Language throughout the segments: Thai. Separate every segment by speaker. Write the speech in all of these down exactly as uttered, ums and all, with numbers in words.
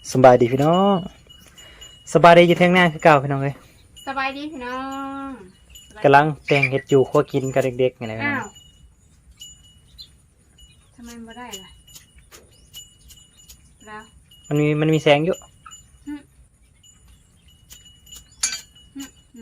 Speaker 1: สบายดีพี่น้องสบายดีอยู่เที่ยงหน้าคือเก่าพี่น้องเลย
Speaker 2: สบายดีพี่น้อง
Speaker 1: กำลังแต่งเห็ดอยู่คั่วกินกับเด็กๆไงนะพี่น้
Speaker 2: อ้า
Speaker 1: อง
Speaker 2: วทำไมไม่ได้ล่ะแล้ว
Speaker 1: มันมีมันมีแสงอยู่
Speaker 2: หึหึหึ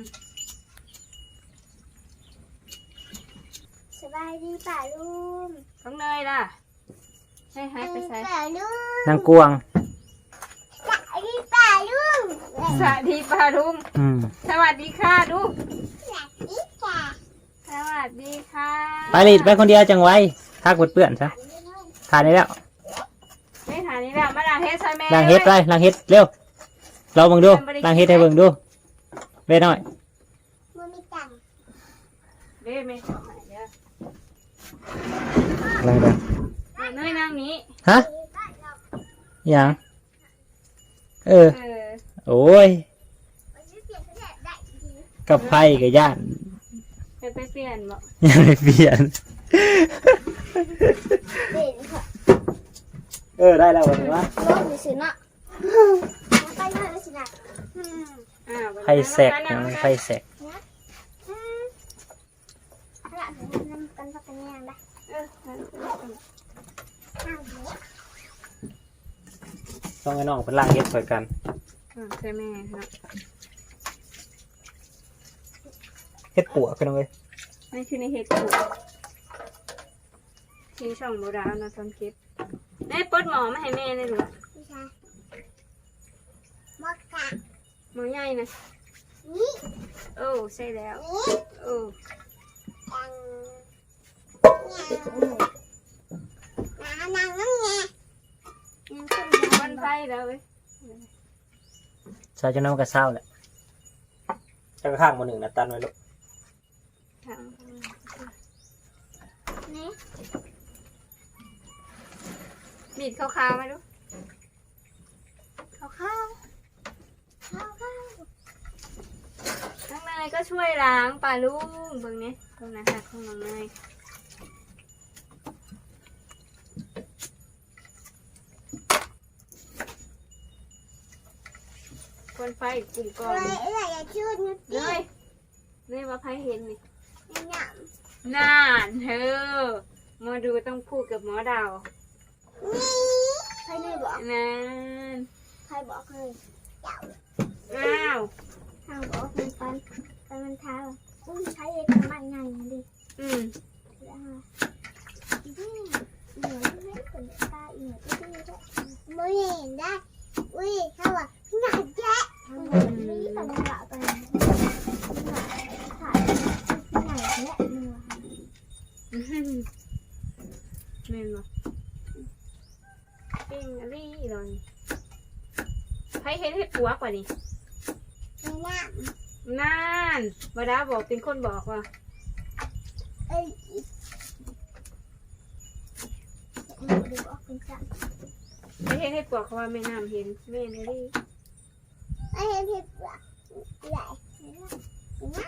Speaker 3: สบายดีป่าลุง
Speaker 2: ต้องเนยล่ะให้หายไปใส่
Speaker 3: ป่าลุง
Speaker 1: นางกวง
Speaker 3: สบายดีป่าลุง
Speaker 2: สวัสดีป้าลุง
Speaker 1: อืม
Speaker 2: สวัสดีค่ะลูก
Speaker 3: สวัสดีจ้ะ
Speaker 2: สวัสดีค่ะ
Speaker 1: ไปรีดไปคนเดียวจังไว้ทักเปื่อนๆซะทานได้แล้ว
Speaker 2: ไม่ถ่ายนี้แล้วมาล้างเฮ็ดใส่แม่
Speaker 1: ล้างเห็ดไปล้างเห็ดเร็วเราเบิ่งดูล้างเห็ดให้เบิ่งดูเว้ยน้อย
Speaker 3: มันมีตังค์
Speaker 2: เด้ไม่ถ่ายเด้อ
Speaker 1: ล้างเด้อ
Speaker 2: เนยนั่งนี้
Speaker 1: ฮะหยังเออ
Speaker 2: เออ
Speaker 1: โอ้ย
Speaker 3: มันจะเปลี่ยนเขาจะได้ดี
Speaker 1: กับไฟกับย่าน
Speaker 2: ไปไปเปลี่ยนบ่
Speaker 1: ยังไม่เปลี่ยน
Speaker 3: เปลี่ยนค่ะ
Speaker 1: เออได้แล้ววันนี้วะ
Speaker 3: โลกมีสินะไปเลยสินะอืม
Speaker 2: อ้าว
Speaker 1: ไฟแสกยังไฟแสก
Speaker 3: อืมเอาละเดี๋ยวน้ำกันพักกันยังได้
Speaker 2: เออ
Speaker 3: ห้ามเดี๋ยว
Speaker 1: ต้องให้น้องเป็นล้างเห็ดสวยกัน
Speaker 2: เออใช่แม่ครับ
Speaker 1: เห็ดปัวกันเลย
Speaker 2: นี่คือในเฮ็ดถูกที่ช่องโบราณนะทำคลิปแม่ปลดหมอมาให้แม่เลยหรือ
Speaker 3: พี่ชายมอกกะ
Speaker 2: หมอใหญ่นะ
Speaker 3: นี่
Speaker 2: โอ้ใช่แล้ว
Speaker 3: นี่
Speaker 2: โอ้
Speaker 3: ตังนางนางน้ำไงยังขึ้น
Speaker 2: วันไฟแล้วเว้ย
Speaker 1: ใส่จนน้ำกระเซ้าแหละจะข้างมาหนึ่งนะตันไว้ลูก
Speaker 2: ทาง
Speaker 3: นี่
Speaker 2: บีดขาวๆไหมลูก
Speaker 3: ข้าวข้าวข้าวข้าว
Speaker 2: น้องเนยก็ช่วยล้างปลาลูกเบิ่งนี้ตรงนั้นค่ะของน้องเนยคนไฟกลุ่มก่อน
Speaker 3: เอ้ยเอ้ยอย่าชื่นนิด
Speaker 2: เน
Speaker 3: เดียวย
Speaker 2: เนยว่าไฟเห็นนี่
Speaker 3: เนี่ย
Speaker 2: น่านเธอมาดูต้องพูดกับหมอดาว
Speaker 3: นี่ใครเลยบอก
Speaker 2: นั่น
Speaker 3: ใครบอกเลยเจ้า
Speaker 2: อ้าว
Speaker 3: ทางบอกมันปันปันมันเท้าอุ้ยใช้เอกมันไงดิ
Speaker 2: อืม
Speaker 3: แล้วอีนี่เหนื่อยไม่คนตาอีเหนื่อยที่นี่ด้วยไม่เห็นได้อุ้ยเขาบอกหนักแจ๊ะนี่แต่มันหลับไปหนักถ่ายหนักแจ๊ะเหนื่อย
Speaker 2: อื้อหือแม่นบ่ปิ้งอะไรอีหลอนไผเห็นเห็ดปัวกว่านี่
Speaker 3: ไม่น่า
Speaker 2: น่านบดาบอกเป็นคนบอกว่า
Speaker 3: เอ้ยดูดูออกเป็นสัตว์
Speaker 2: ไผเห็นเห็ดปัวกเขาว่าแม่น้ำเห็นแม่นอะไร
Speaker 3: ไอ้เห็นผิดว่ะใหญ่ไม่น่า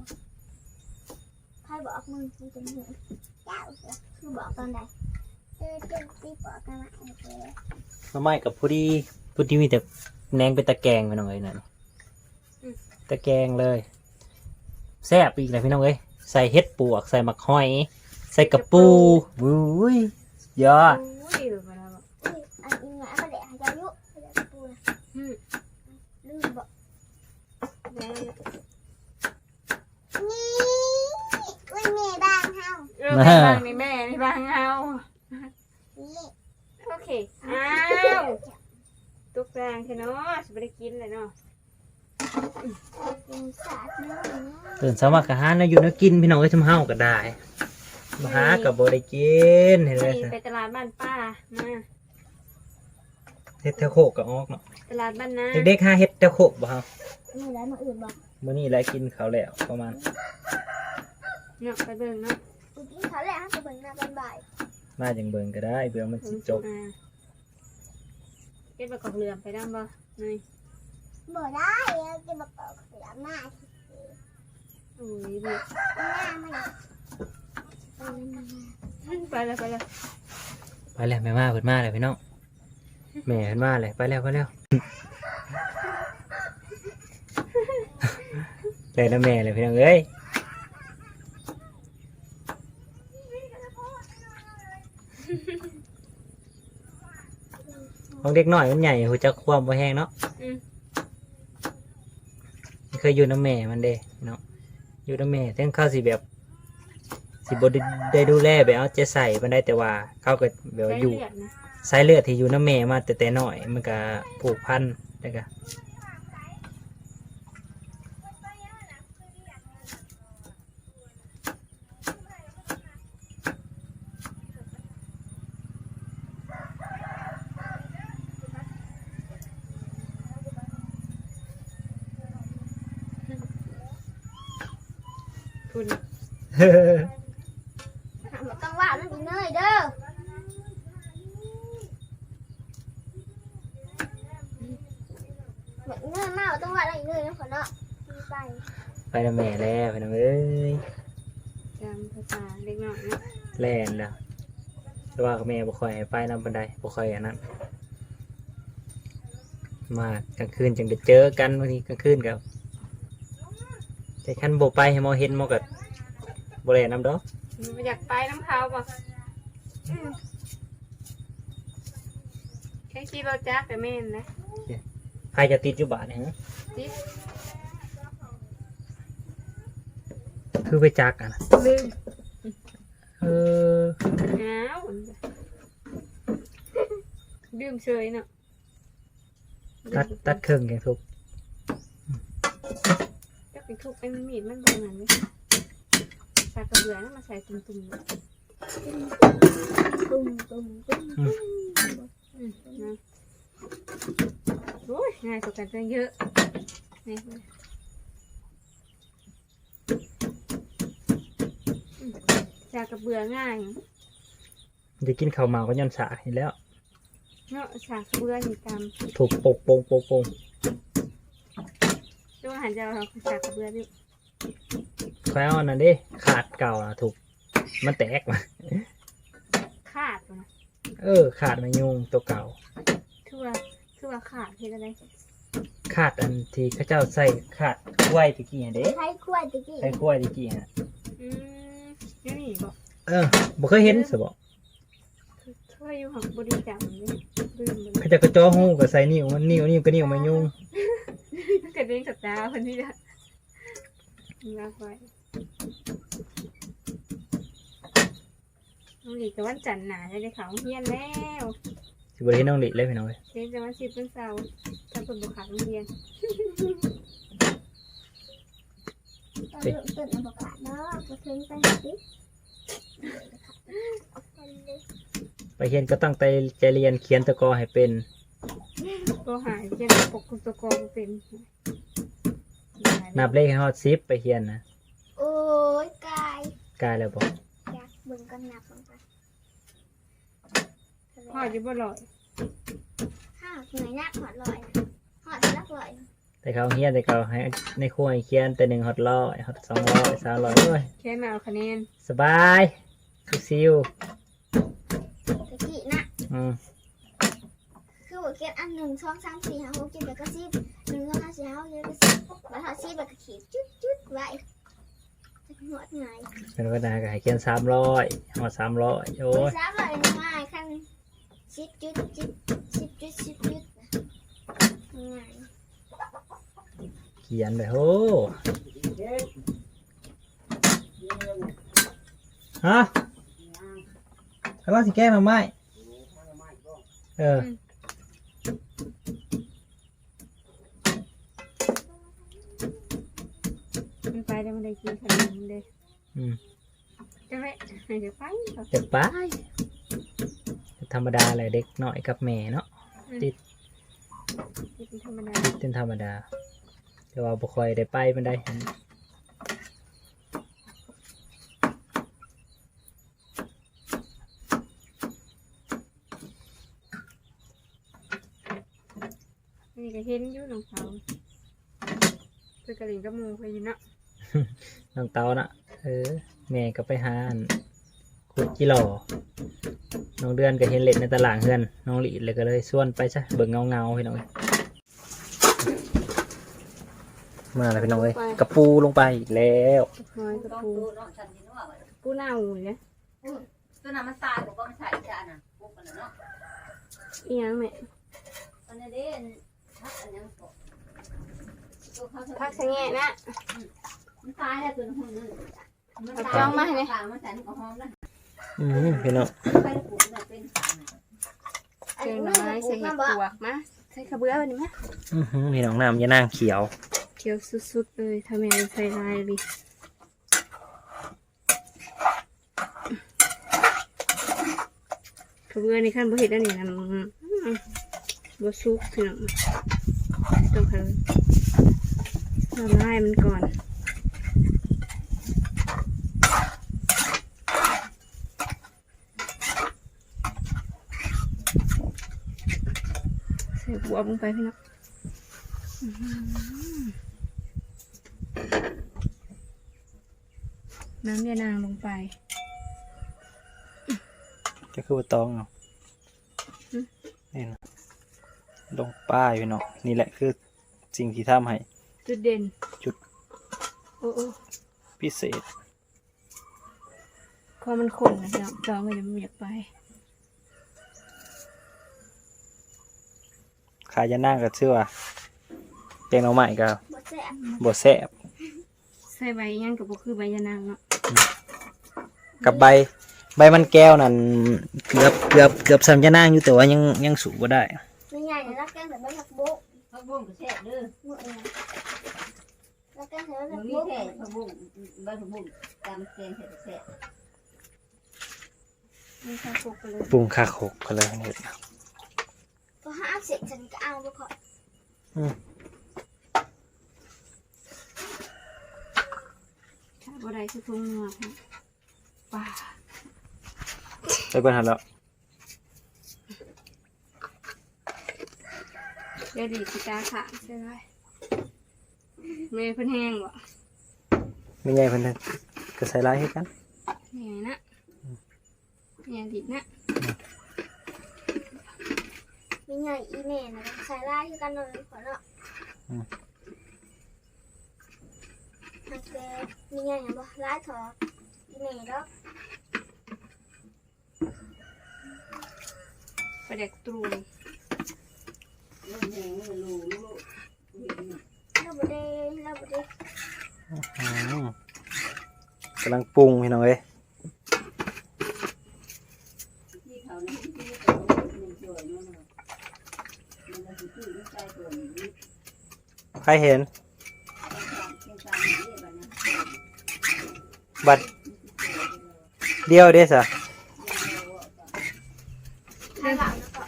Speaker 3: ใครบอกมึงมึงจะเหนื่อยเจ้าคือบอกตอนใดเออเจ้าตีบอกกันมาโอเค
Speaker 1: น้ำไม้กับผู้ดีผู้ที่มีแต่แหนงเป็นตะแกรงไปหน่อยนั่นตะแกรงเลยแซ่บอีกเลยพี่น้องเอ้ยใส่เห็ดปวกใส่หมักหอย ใส่กระปูวุ้ยยอด
Speaker 2: โอ้ยหรือบดาบอก
Speaker 3: อุ้ยอันนี้ไงเขาเด็กอายุเขาเด็กปูนะ
Speaker 2: อืม
Speaker 3: ลืมบอก
Speaker 2: แม่
Speaker 3: นี่อุ้ยแม่บ้านเฮา
Speaker 2: เออแม่บางนี่แม่นี่บางเอา
Speaker 3: นี่
Speaker 2: โอเคอ้าวตุกแรงใช่เนาะจะไม่ได้กินเลยเนาะ
Speaker 3: เป็นสัตว์เนื้อ
Speaker 1: ตื่นสมัครอาหารนะอยู่นะกินพี่น้องเอ้ยทำเฮาก็ได้มาหากับบ่ได้กินเห็นไหม
Speaker 2: นี่ไปตลาดบ้านป้ามา
Speaker 1: เฮ็ดแถวโคกก็ออกเนาะ
Speaker 2: ตลาดบ้านนา
Speaker 1: เด็กๆหาเฮ็ดแถวโคกบ่เฮา
Speaker 3: นี่แล้วมาอื่นบอก
Speaker 1: มื้อนี้แลกินข้าวแล้วประมาณ
Speaker 2: เนาะไปเบิ่งเนาะ
Speaker 3: อุ้ยเขาแหละจะเบิ่งหน้าเป็นบ่าย
Speaker 1: มาจังเบิ่งก็ได้เบื่อมันสิจบ
Speaker 2: อ่าเก็บไปกอกเหลือมไปดั้งบ่นี่
Speaker 3: บ่ได้จะมาเปิดเสือหน้า
Speaker 2: โอ้ยดิ
Speaker 3: หน้ามัน
Speaker 2: ไปเลยไปเลย
Speaker 1: ไปแล้วแม่มาเพิ่นมาแล้วพี่น้องแม่เห็นว่าเลยไปแล้วไปแล้วเลยนะแม่เลยพี่น้องเอ้ยของเด็กน้อยมันใหญ่หัวจักความบ่แห้งเนาะ
Speaker 2: อืม
Speaker 1: เคยอยู่น้ำแม่มันเด้เนาะอยู่น้ำแม่ทั้งเข้าสิแบบสิบได้ดูแลแบบเอาใจใส่มันได้แต่ว่าเขาก็แบบว่า
Speaker 2: ใช้
Speaker 1: อยู่
Speaker 2: เลือดนะ
Speaker 1: สายเลือดที่อยู่น้ำแม่มาแต่แต่น้อยมันก็ผูกพันได้ก็
Speaker 2: คุณ
Speaker 3: ต้องว่ามันอีเนยเด้อแบบเนยมากต้องว่าอะไรอีเนยนะขอเนาะไป
Speaker 1: ไปน้ำแม่แล้วไปน้ำเอ้ย
Speaker 2: จำภาษาเล็กน้อยเนาะ
Speaker 1: แล่นแล้วแต่ว่าแม่บ่ค่อยให้ไปน้ำบันไดบ่ค่อยอันนั้นมากลางคืนจึงได้เจอกันบางทีกลางคืนกับแต่ขั้นโบไปให้หมอเห็นหมอกับโบแลน้ำดอก
Speaker 2: มันอยากไปน้ำเขาป่ะอืมแค่ขี่รถจักรแต่แม่นนะ
Speaker 1: ใครจะติดอยู่บ้านเนี่ยฮะ
Speaker 2: จิ๊บ
Speaker 1: คือไปจักอ่ะนะ
Speaker 2: ลืม
Speaker 1: เออ
Speaker 2: อ้าวดื่มเฉยเนาะ
Speaker 1: ตัดตัดเครื่องอย่างทุก
Speaker 2: จะเป็นทุกไอ้มันมีดมันเป็นอย่างนี้สากกระเบือนั่นมาใส่ตุ่มๆเนาะ
Speaker 3: ตุ้มตุ้มตุ้ม
Speaker 2: อืมนะโอ้ยง่ายกว่ากันตั้งเยอะนี่อืมสากกระเบือง่าย
Speaker 1: จะกินข้าวเมาก็ย้อนสาเห็นแล้ว
Speaker 2: เนาะสากกระเบือนี่ตาม
Speaker 1: ถูกปกโปงโปงโปง
Speaker 2: ช่วงหันจะเอาสากกระเบือดิ
Speaker 1: คอยเอาอันนั้นดิขาดเก่านะถูกมันแตกมา
Speaker 2: ขาดนะ
Speaker 1: เออ ขาดมายุงตัวเก่า
Speaker 2: คือว่าคือว่าขาดเห็นอะไร
Speaker 1: ขาดอันที่เข้าเจ้าใส่ขาดกล้วยตะกี้อะเด้
Speaker 3: ใช้ขวดตะกี้
Speaker 1: ใส่กล้วยตะกี้ฮะ
Speaker 2: อืมนี่นี่บอก
Speaker 1: เออบ่เคยเห็นสบอ
Speaker 2: เคยอยู่ของบริจาคเลยลืมเลย
Speaker 1: เขาจะกระจ้อหูกับใส่นิ้วมันนิ้วนิ้วก็นิ้วมายุง
Speaker 2: กระเด้งกับตาคนนี้ละลาไว้น้องหลีกับวันจันทร์หนาจะได้เขาเฮียนแล้ว
Speaker 1: สิบริเห็นน้องหลิเลยพี่น้องเอ้ย
Speaker 2: เรียนจะวันสิบเป็นเสาร์ถ้าคนบุกขาดโรงเรียน
Speaker 3: ตอนเริ่มต้นเอาบอกขาดเนาะก็เพิ่งไปสิ
Speaker 1: ไปเรียนก็ตั้งใจใจเรียนเขียนตะกอให้เป็น
Speaker 2: ก็หายเรียนปกกุตกอเป็น
Speaker 1: นับเลขให้ฮอดซิปไปเรียนนะ
Speaker 3: โอ้ยกาย
Speaker 1: กล้ายแล้วบอก
Speaker 3: อยากเบิ่งกันนับลงไป
Speaker 2: พ่อจะบ่ลอย
Speaker 3: ห้าเหนื่อยนักหอดลอยหอดลักลอย
Speaker 1: แต่เขาเรียนแต่เขาให้ในครัวให้เขียนแต่หนึ่งฮอดร้อยฮอดสองร้อยสามร้อยโอ้ย
Speaker 2: แค่มาเอาคะแนน
Speaker 1: สบายซิว
Speaker 3: ตะกี้นะ
Speaker 1: ๆอืม
Speaker 3: คือว่าเก็บอันหนึ่งสองสามสี่ห้าหกเจ็ดแปดเก้าสิบหนึ่งสองสามสี่ห้าหกเจ็ดแปดเก้าสิบแล้วถอดสิบแบบก็ขีดจุดจุดไว้จะหอดไง
Speaker 1: เป็นก็ได้ก็ให้เขียนสามร้อยฮอดสามร้อยโอ้ย
Speaker 3: สามร้อยง่ายขั้นสิบจุดสิบสิบจุดสิบจุดง่าย
Speaker 1: เขียนไปโอ้ฮะกำลังสิแก้มาไหมเออ
Speaker 2: มันไปแล้วมันได้กินขนมเลย
Speaker 1: อืม
Speaker 2: จะไม่เดี๋ยวไปเถอะ
Speaker 1: เด็กปะธรรมดาเลยเด็กน้อยกับแม่เนาะ
Speaker 2: กินธรรมดา
Speaker 1: เป็นธรรมดาแต่ว่าบ่ค่อยได้ไปมันได้
Speaker 2: นี่ก็เห็นอยู่น้องเขาคือกระดิ่งกระมูไปอยู่เนาะ
Speaker 1: น้องเตานะเออแม่ก็ไปหาอันขุดกิโลน้องเดือนก็เห็นเล็ดในตลาดเพื่อนน้องหลีเลยก็เลยส่วนไปซะเบิ่งเงาเงาๆพี่น้องเอ้ยมาแล้วพี่น้องเอ้ยกระปูลงไปอีกแล้ว
Speaker 2: น้อยกระปูปูหน้าหูเนี่ย
Speaker 4: ตัวนั้นมันตายบอกว่ามันใส่จานน่ะพวกกันเนาะ
Speaker 2: อีหยังแม่
Speaker 4: ตอนนี้เด่นพักอันยังก็ตัวเขา
Speaker 2: พักสะแงะนะ
Speaker 4: มันตายแล้วตัวนึงมันตายมันใส่ก็หอมนะ
Speaker 1: อืมพี่น้อง
Speaker 4: ไปปลูกเนี่ยเป็นสาร
Speaker 2: เจอหน่อไม้ใส่เห็ดปวกมาใส่กระเบื้อวันนี้มั้ย
Speaker 1: อื้อหือพี่น้องน้ำยานางเขียว
Speaker 2: เขียวสุดๆเลยทำไมใส่ลายดิกระเบื้อนี่ขั้นบ่เห็ดอันนี้นะบ่ซุกถึงต้องทำละลายมันก่อนใส่บวบลงไปพี่น้องน้ำยานางลงไป
Speaker 1: จะคือว่าตองเนาะนี่นะลงป้ายพี่น้องนี่แหละคือสิ่งที่ทำให้
Speaker 2: จุดเด่น
Speaker 1: จุด
Speaker 2: โอ้โอ้
Speaker 1: พิเศษ
Speaker 2: คอมันขนนะพี่น้องจอไม่ได้ไม่อยากไป
Speaker 1: ขายยานางก็ชื่อว่าแกงหน่อไม้ก็
Speaker 3: บ่แซ่บ
Speaker 1: บ่แซ่บ
Speaker 2: ใส่ใบยังกับบ่คือใบยานางเนาะ
Speaker 1: กับใบใบมันแก้วนั่นเกือบเกือบเกือบซ้ำยานางอยู่แต่ว่ายังยังสูบบ่ได้
Speaker 3: ไม่ใหญ่นะรักแกงแต่ไม่ผักบุ้ง
Speaker 4: ผักบุ้งก็แซ่บเด้อ
Speaker 3: หมดเลยรักแกงแต่ไม่
Speaker 4: มั
Speaker 3: ผั
Speaker 4: น
Speaker 3: ก
Speaker 4: มี
Speaker 3: บุ้ง
Speaker 4: แค่ผักบุ้งใบผักบุ้งตามแกงแซ่บ
Speaker 2: มีข้าวโพดไปเลย
Speaker 1: ปรุงคาโขกก็เลยเห็ด
Speaker 3: พอห้าเสร็จฉันก็เอาไปก่อน
Speaker 2: ถ้าบ่ได้คือทุ่งนัวค่ะป่า
Speaker 1: ไปเบิ่งหันแล้ว
Speaker 2: เดี๋ยวดีสิตาขาดใช่ไหมเมย์เพิ่นแห้งบ่
Speaker 1: ไม่ใหญ่เพิ่นก็ใส่ลายให้กัน
Speaker 2: นี่ไงนะนี่ดิบนะ
Speaker 3: ไม่ใหญ่อีเมลนะใส่ลายกันเลยขอเนาะหักเกมีใหญ่ยังบ่ลายถอดอีเมลดอก
Speaker 2: ปลาแดกตรูน
Speaker 4: ๆลูกแห้งมันลูลูก
Speaker 3: เราบ่ได้เราบ่ได้
Speaker 1: อืมกำลังปรุงพี่น้องเอ้ย
Speaker 4: ที่เขาเนี่ยที่เขาเป็นตัวนั่นน่ะมันก็สิตื้อใจตัวนี้
Speaker 1: ใครเห็น
Speaker 4: เก่งตามนี้บัดนี้
Speaker 1: บัดเดียวเด้ซะ
Speaker 3: ลายหลังก่อน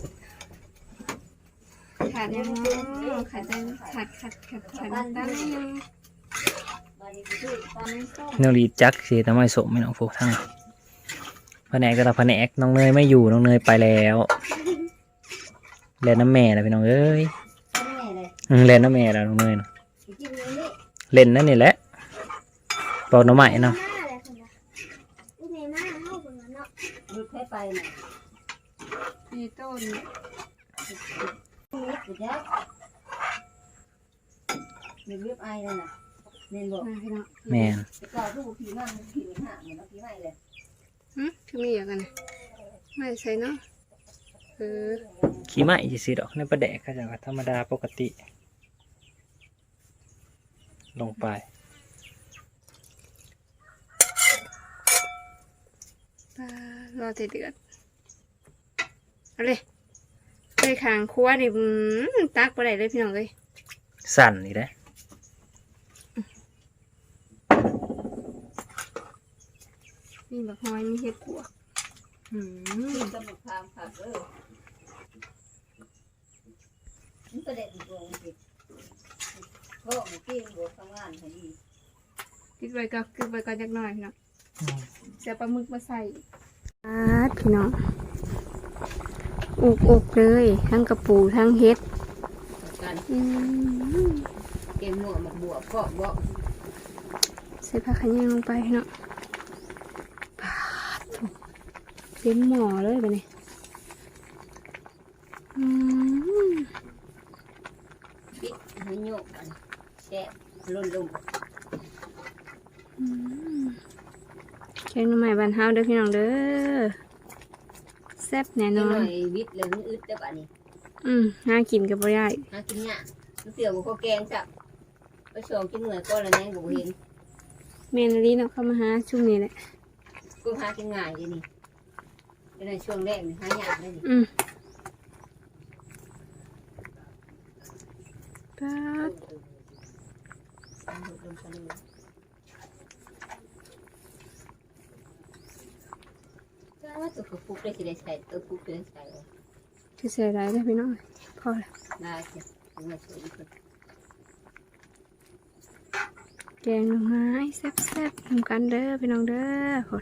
Speaker 2: ขาดยังขาดยังขาดขาดขาดขาดตั้งยัง
Speaker 4: บัดนี้ตื้อตามนี้ส้ม
Speaker 1: นองลีจักสิทำไมสมไม่น้องโฟกทั้งแผนกแต่ละแผนกน้องเนยไม่อยู่น้องเนยไปแล้วแลนน้ำแม่แล้วพี่น้องเอ้ย
Speaker 4: แม่เลย
Speaker 1: อืมแลนน้ำแม่แล้วน้องเนยน่ะ
Speaker 4: กินนี้นี่
Speaker 1: เล่นนั่นนี่แหละปอกหน้ำใหม่เนาะ
Speaker 3: หน้าอะไรคนละอีเมลหน้าเฮาคนละเนาะ
Speaker 4: ลูกให้ไปน่ะ
Speaker 2: มีต้น
Speaker 4: กูจักมีเว็บไอเลยน่ะเน้นบอก
Speaker 2: มาพี่น้อง
Speaker 1: แม่น
Speaker 4: แต่ก่อนลูกผีมันผีมันห่างเหมือนผีไม่เลย
Speaker 2: หึคือมีอย่างกันนะไม่ใช่เนาะเออ
Speaker 1: ขี้ไหม้สิดอกในประแดกก็จะธรรมดาปกติ ลงไป
Speaker 2: ปลารอเดือดเอาเลยไปขางครัวนี่อืมตักไปได้เลยพี่น้องเลย
Speaker 1: สั่นนี่แหละ
Speaker 2: มีบักฮอยมีเห็ดปวกอืม
Speaker 4: กำลังพามขับเออมันประเด็นตรงสิเพราะมันกินบวกทำงานให้ดี
Speaker 2: กินไว้ก็กินไว้ก็จักหน่อยพี่น้องเสียปลาหมึกมาใส่อาดพี่น้องอุกอกเลยทั้งกระปูทั้งเห็ด
Speaker 4: กัน
Speaker 2: อืม
Speaker 4: เกมหมวกมาบวกก็บอก
Speaker 2: ใส่ผักขะแยงลงไปพี่น้องปาดถูกเต็มหม้อเลยไปนี่อืม
Speaker 4: ปิดให้โยกกันแซ่บลุ่นลุ่ม
Speaker 2: อืมแกงหน่อไม้บ้านเฮาเด้อพี่น้องเด้อแซ่บแน่น
Speaker 4: นิด
Speaker 2: อ
Speaker 4: หน่
Speaker 2: น
Speaker 4: อยวิทย์เลยมันอึดแต่ป่ะนี่
Speaker 2: อืมน่ากินกับบ่ได้
Speaker 4: หากินเนี่ยมันเตี๋ยวกับข้าวแกงจ้ะไปชงกินเหนื่อยก็แล้วแน่กูเห็น
Speaker 2: เมนลีเนาะเข้ามาหาช่วงนี้แหละ
Speaker 4: กูหากินง่ายเลยนี่ในช่วงแรกนี่หายากเลยนี่
Speaker 2: อืมป๊าด
Speaker 4: ว่าตัวฟุกได้สิได้ใส่ตัวฟุกได้ใส่
Speaker 2: จะเสียดายเด้อพี่น้องพอละ
Speaker 4: ได้สิถึงมาช่วยอีกคน
Speaker 2: แกงหน่อไม้แซ่บๆทำกันเด้อพี่น้องเด้อคน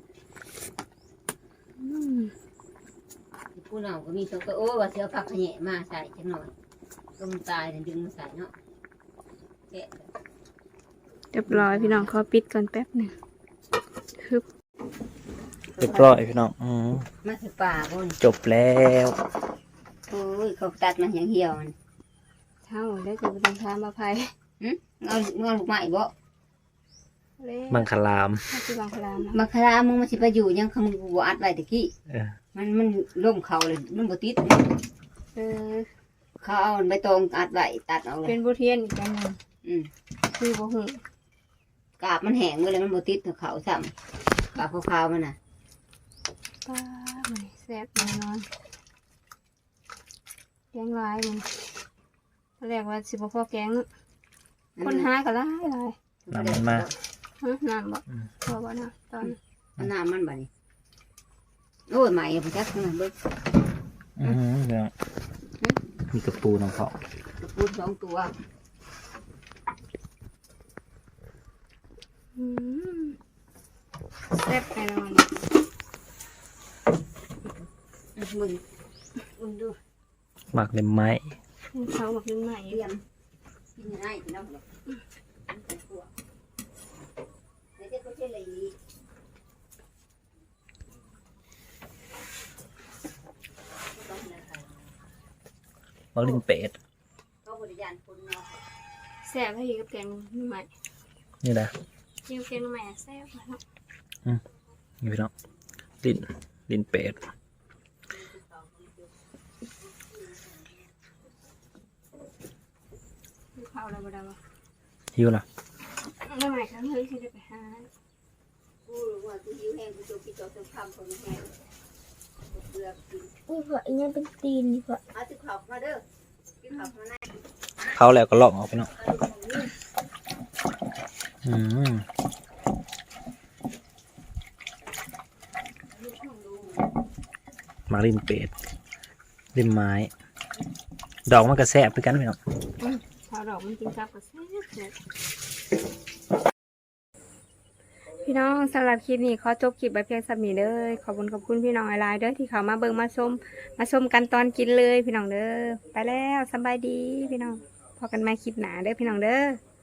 Speaker 2: อืม
Speaker 4: ผู้น้องก็มีตัวก็โอ้ว่าเสียวผักขะแหน่มาใส่จังหน่อยต้มตายดึงมาใส่เนาะแกะ
Speaker 2: เรียบร้อยพี่น้องขอปิดก่อนแป๊บหนึ่งฮึบ
Speaker 1: เรียบร้อยพี่น้องอืม
Speaker 4: มาคือป่าบน
Speaker 1: จบแล้ว
Speaker 4: โอ้ยเขาตัดมันอย่างเหี่ยวมัน
Speaker 2: เท่าได้จะไปทำทานมาภัย
Speaker 4: เอาเงาลูกไม้บ่
Speaker 2: เล่
Speaker 1: มังคลาม
Speaker 2: ถ้าคือบางพลามนะ
Speaker 4: มาคารามึงมาสิไปอยู่ยังคำกูอัดไว้ตะกี้
Speaker 1: เออ
Speaker 4: มันมันล่มเขาเลยมันบ่ติด
Speaker 2: เออ
Speaker 4: เขาเอาใบตองอัดไว้ตัดเอาเล
Speaker 2: เป็
Speaker 4: ย
Speaker 2: นบุเทียนอีกอันหนึ่ง
Speaker 4: อืม
Speaker 2: คือบุหง
Speaker 4: กาบมันแห้งเลยมันบ่ติดเขาซ้ำกาบขาวๆมันน่ะ
Speaker 2: ป้ามันแซ่บแน่นอนแกงลายมันตอนแรกว่าสิบพ่อแกงเนอะคนหาก็หลายหลาย
Speaker 1: น้ำมันมา
Speaker 2: ฮะน้ำบ่พอบ่นะตอน
Speaker 4: เอาน้ำมันบ่นี่โอ้ยใหม่บ่จักนะเบิ่ง
Speaker 1: อืมเดี๋ยวมีกระปูน้องเขา
Speaker 4: ปูสองตัว
Speaker 2: อืมแซ่บแน่นอน
Speaker 4: มึงมึงดู
Speaker 1: หมักเล็มไม้
Speaker 2: เขาบอกยังใหม่
Speaker 4: เตรียมกินง่ายกินน้ำหรอกเดี๋ยวจะก็ใช่เลย
Speaker 1: หมักลิ้นเป็ด
Speaker 4: เขาบริยานคนเนาะ
Speaker 2: แซ่บให้กินกับแกงใหม่
Speaker 1: นี่นะ
Speaker 2: กินกับแกงใหม่แซ่บเนาะ
Speaker 1: นี่พี่น้องลิ้นลิ้นเป็ด
Speaker 2: ดูข้าวอะไรบ่ได้บ่
Speaker 1: หิวล่ะ
Speaker 2: แล้วใหม่ครั้งเฮ้ยสิได้ไปหา
Speaker 4: กูรู้ว่ากูหิวแห้งกูจะกินจนคำคนแห้งเบื่อกิน
Speaker 3: นี่เผื่ออีนั่นเป็นตีนนี่เผื่อ
Speaker 4: เอาติขับมาเด้อกินขับมาหน้า
Speaker 1: เขาแล้วก็ลอกออกพี่น้องอืมหมักลิ้นเป็ดลิ้นไม้ ดอกมันก็แซ่บด้วยกันพี่น้อง
Speaker 2: ข้าวดอกมันกินกับก็แซ่บแซ่บพี่น้องสำหรับคลิปนี้ขอจบคลิปไว้เพียงสำนี้เด้อขอบคุณขอบคุณพี่น้องหลายๆเด้อที่เขามาเบิ่งมาชมมาชมกันตอนกินเลยพี่น้องเด้อไปแล้วสบายดีพี่น้องพอกันใหม่คลิปหน้าเด้อพี่น้องเด้อ